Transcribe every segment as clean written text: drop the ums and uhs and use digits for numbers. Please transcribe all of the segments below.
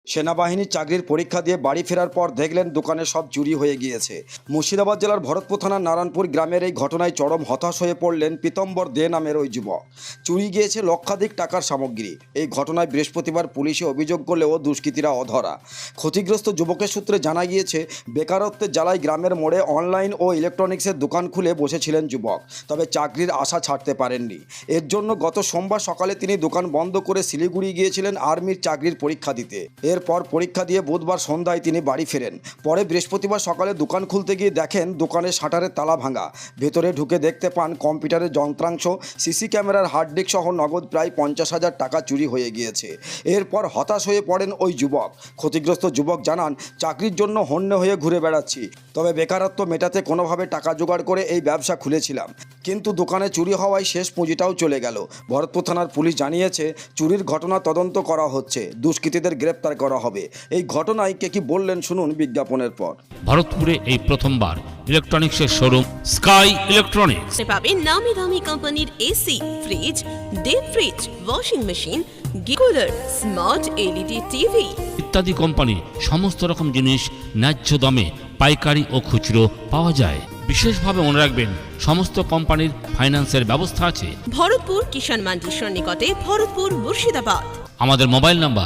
সেনাবাহিনীর চাকরির পরীক্ষা দিয়ে বাড়ি ফেরার পর দেখলেন দোকানে সব চুরি হয়ে গিয়েছে। মুর্শিদাবাদ জেলার ভরতপুর থানার নারায়ণপুর গ্রামের এই ঘটনায় চরম হতাশ হয়ে পড়লেন পীতম্বর দে নামের ওই যুবক। চুরি গিয়েছে লক্ষাধিক টাকার সামগ্রী। এই ঘটনায় বৃহস্পতিবার পুলিশে অভিযোগ করলেও দুষ্কৃতীরা অধরা। ক্ষতিগ্রস্ত যুবকের সূত্রে জানা গিয়েছে, বেকারত্বের জ্বালায় গ্রামের মোড়ে অনলাইন ও ইলেকট্রনিক্সের দোকান খুলে বসেছিলেন যুবক, তবে চাকরির আশা ছাড়তে পারেননি। এর জন্য গত সোমবার সকালে তিনি দোকান বন্ধ করে শিলিগুড়ি গিয়েছিলেন আর্মির চাকরির পরীক্ষা দিতে। এরপর পরীক্ষা দিয়ে বুধবার সন্ধ্যায় তিনি বাড়ি ফেরেন। পরে বৃহস্পতিবার সকালে দোকান খুলতে গিয়ে দেখেন দোকানের শাটারের তালা ভাঙা। ভেতরে ঢুকে দেখতে পান কম্পিউটারের যন্ত্রাংশ, সিসি ক্যামেরার হার্ড ডিস্ক সহ নগদ প্রায় 50,000 টাকা চুরি হয়ে গিয়েছে। এরপর হতাশ হয়ে পড়েন ওই যুবক। ক্ষতিগ্রস্ত যুবক জানান, চাকরির জন্য হন্যে হয়ে ঘুরে বেড়াচ্ছি, তবে বেকারত্ব মেটাতে কোনোভাবে টাকা জোগাড় করে এই ব্যবসা খুলেছিলাম, কিন্তু দোকানে চুরি হওয়ায় শেষ পুঁজিটাও চলে গেল। ভরতপুর থানার পুলিশ জানিয়েছে, চুরির ঘটনা তদন্ত করা হচ্ছে, দুষ্কৃতীদের গ্রেপ্তার করা হবে। এই ঘটনায় কে কি বললেন শুনুন বিজ্ঞাপনের পর। ভারতপুরে এই প্রথমবার ইলেকট্রনিক্সের শোরুম স্কাই ইলেকট্রনিক্স পাবেন নামি দামি কোম্পানির AC, fridge, deep fridge, washing machine, cooler, smart LED TV ইত্যাদি কোম্পানি সমস্ত রকম জিনিস ন্যায্য দামে পাইকারি ও খুচরো পাওয়া যায়। বিশেষভাবে মনে রাখবেন, সমস্ত কোম্পানির ফাইন্যান্সের ব্যবস্থা আছে। ভরতপুর কিষাণ মান্ডির নিকটে, ভরতপুর, মুর্শিদাবাদ। আমাদের মোবাইল নাম্বার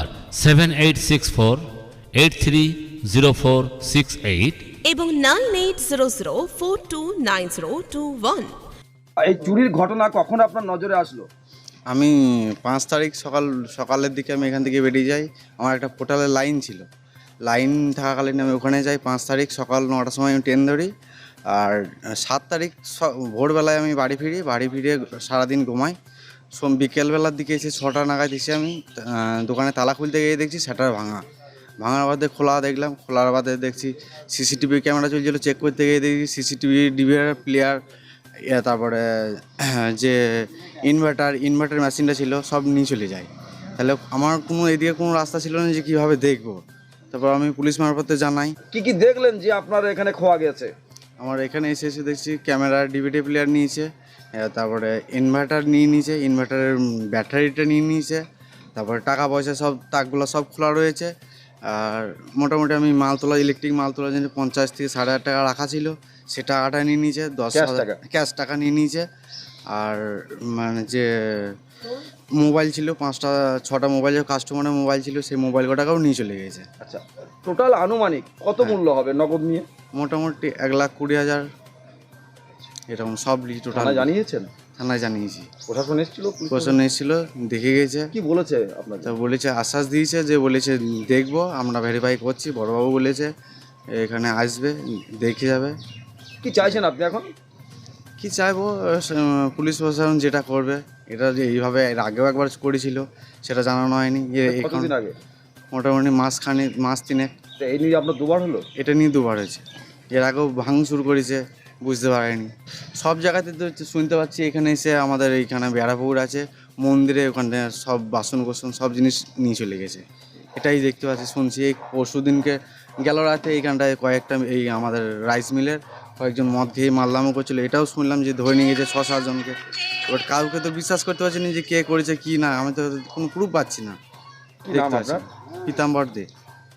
7864830468 এবং 9800429021। এই চুরির ঘটনা কখন আপনার নজরে আসলো? আমি 5 তারিখ সকালের দিকে আমি এখান থেকে বেরিয়ে যাই। আমার একটা পোর্টালের লাইন ছিল, লাইন থাকাকালীন আমি ওখানে যাই। 5 তারিখ সকাল 9টার সময় আমি ট্রেন ধরি। আর 7 তারিখ ভোরবেলায় আমি বাড়ি ফিরে সারাদিন ঘুমাই। বিকেলবেলার দিকে এসে 6টা নাগাদ এসে আমি দোকানে তালা খুলতে গিয়ে দেখছি শাটার ভাঙার বাদে খোলার বাদে দেখছি সিসিটিভি ক্যামেরা চলছিল। চেক করতে গিয়ে দেখছি সিসিটিভি ডিভিআর প্লেয়ার, তারপরে যে ইনভার্টার মেশিনটা ছিল সব নিয়ে চলে যায়। তাহলে আমার এদিকে কোনো রাস্তা ছিল না যে কীভাবে দেখবো। তারপর আমি পুলিশ মারফতে জানাই। কি দেখলেন যে আপনার এখানে খোয়া গেছে? আমার এখানে এসে দেখছি ক্যামেরা, ডিভিডি প্লেয়ার নিয়েছে, তারপরে ইনভার্টার নিয়ে নিয়েছে, ইনভার্টারের ব্যাটারিটা নিয়ে নিয়েছে, তারপরে টাকা পয়সা সব তাকগুলো সব খোলা রয়েছে। আর মোটামুটি আমি ইলেকট্রিক মাল তোলার জন্য 50 থেকে 8,500 টাকা রাখা ছিল, সে টাকাটা নিয়ে নিয়েছে। 10,000 ক্যাশ টাকা নিয়ে নিয়েছে। আর মানে যে মোবাইল ছিল 5-6টা মোবাইল, কাস্টমারের মোবাইল ছিল, সেই মোবাইল টাকাও নিয়ে চলে গেছে। আচ্ছা, টোটাল আনুমানিক কত মূল্য হবে নগদ নিয়ে? মোটামুটি 1,20,000 এরকম সব টোটাল। জানিয়েছেন? থানায় জানিয়েছি। প্রশাসন এসেছিল? প্রশাসন এসেছিল, দেখে গেছে। কি বলেছে আপনার? তা বলেছে, আশ্বাস দিয়েছে যে বলেছে দেখবো, আমরা ভেরিফাই করছি। বড়বাবু বলেছে এখানে আসবে, দেখে যাবে। কি চাইছেন আপনি এখন? কি চাইবো, পুলিশ প্রশাসন যেটা করবে। এটা যে এইভাবে এর আগেও একবার করেছিল, সেটা জানানো হয়নি। কতদিন আগে? মোটামুটি মাস 3 এই নিয়ে আপনার দুবার হলো? এটা নিয়ে দুবার হয়েছে। এর আগেও ভাঙচুর করেছে, বুঝতে পারেনি। সব জায়গাতে তো শুনতে পাচ্ছি। এখানে এসে আমাদের এইখানে বেড়াপুকুর আছে, মন্দিরে ওখানে সব বাসন সব জিনিস নিয়ে চলে গেছে। এটাই দেখতে পাচ্ছি, শুনছি। এই পরশু দিনকে গেল রাতে এইখানটায় কয়েকটা এই আমাদের রাইস মিলের কয়েকজন মদ খেয়ে মারলামও করছিল, এটাও শুনলাম যে ধরে নিয়ে গেছে 6-7 জনকে। এবার কাউকে তো বিশ্বাস করতে পারছি না যে কে করেছে কি না, আমি তো কোনো প্রুফ পাচ্ছি না। দেখতে পাচ্ছি পীতাম্বর দে।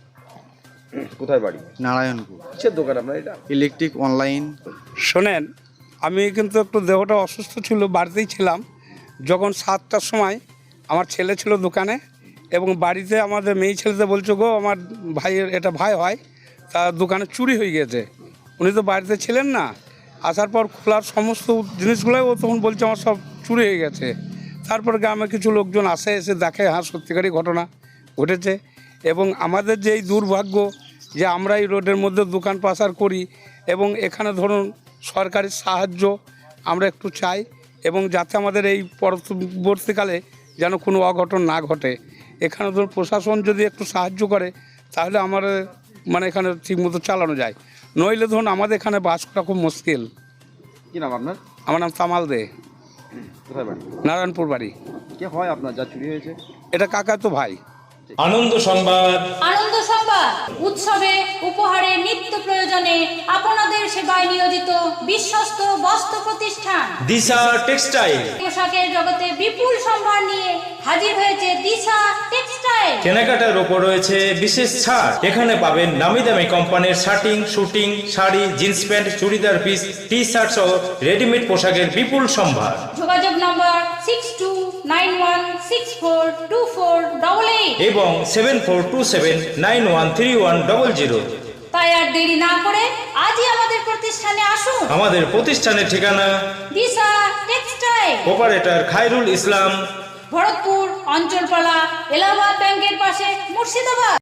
কোথায় বাড়ি? নারায়ণপুর। কিসের দোকান আপনার এটা? Electric online. শোনেন, আমি কিন্তু একটু দেহটা অসুস্থ ছিল, বাড়িতেই ছিলাম। যখন 7টার সময় আমার ছেলে ছিল দোকানে, এবং বাড়িতে আমাদের মেয়ে ছেলেতে বলছো, গো আমার ভাইয়ের, এটা ভাই হয়, তার দোকানে চুরি হয়ে গেছে। উনি তো বাড়িতে ছিলেন না। আসার পর খোলার সমস্ত জিনিসগুলোই ও তখন বলছে আমার সব চুরি হয়ে গেছে। তারপর গ্রামে কিছু লোকজন এসে দেখে, হ্যাঁ সত্যিকারই ঘটনা ঘটেছে। এবং আমাদের যে এই দুর্ভাগ্য যে আমরা এই রোডের মধ্যে দোকান পাচার করি, এবং এখানে ধরুন সরকারি সাহায্য আমরা একটু চাই, এবং যাতে আমাদের এই পরবর্তীকালে যেন কোনো অঘটন না ঘটে। এখানে ধরুন প্রশাসন যদি একটু সাহায্য করে, তাহলে আমার মানে এখানে ঠিকমতো চালানো যায়। নইলে ধরুন আমাদের এখানে বাস করা খুব মুশকিল। কি নাম আপনার? আমার নাম তামাল দে। কোথায় বাড়ি? নারায়ণপুর বাড়ি। কে হয় আপনার যা চুরি হয়েছে? এটা কাকা তো ভাই। আনন্দ সংবাদ। আনন্দ সংবাদ উৎসবে উপহারে নিত্য প্রয়োজনে আপনাদের সেবায় নিয়োজিত বিশ্বস্ত বস্ত্র প্রতিষ্ঠান দিশা টেক্সটাইল। পোশাকের জগতে বিপুল সম্ভার নিয়ে হাজির হয়েছে দিশা টেক্সটাইল। কেনাকাটার ওপর রয়েছে বিশেষ ছাড়। এখানে পাবেন নামি দামি কোম্পানির shirting, suiting, sari, jeans pant, churidar piece, T shirt সহ রেডিমেড পোশাকের বিপুল সম্ভার। যোগাযোগ নম্বর 6291642488 এবং 7427913100। তাই আর দেরি না করে আজই আমাদের প্রতিষ্ঠানে আসুন। আমাদের প্রতিষ্ঠানের ঠিকানা দিশা টেক্সটাইল, অপারেটর খায়রুল ইসলাম, ভরতপুর অঞ্চলপালা, এলাহাবাদ ব্যাংকের পাশে, মুর্শিদাবাদ।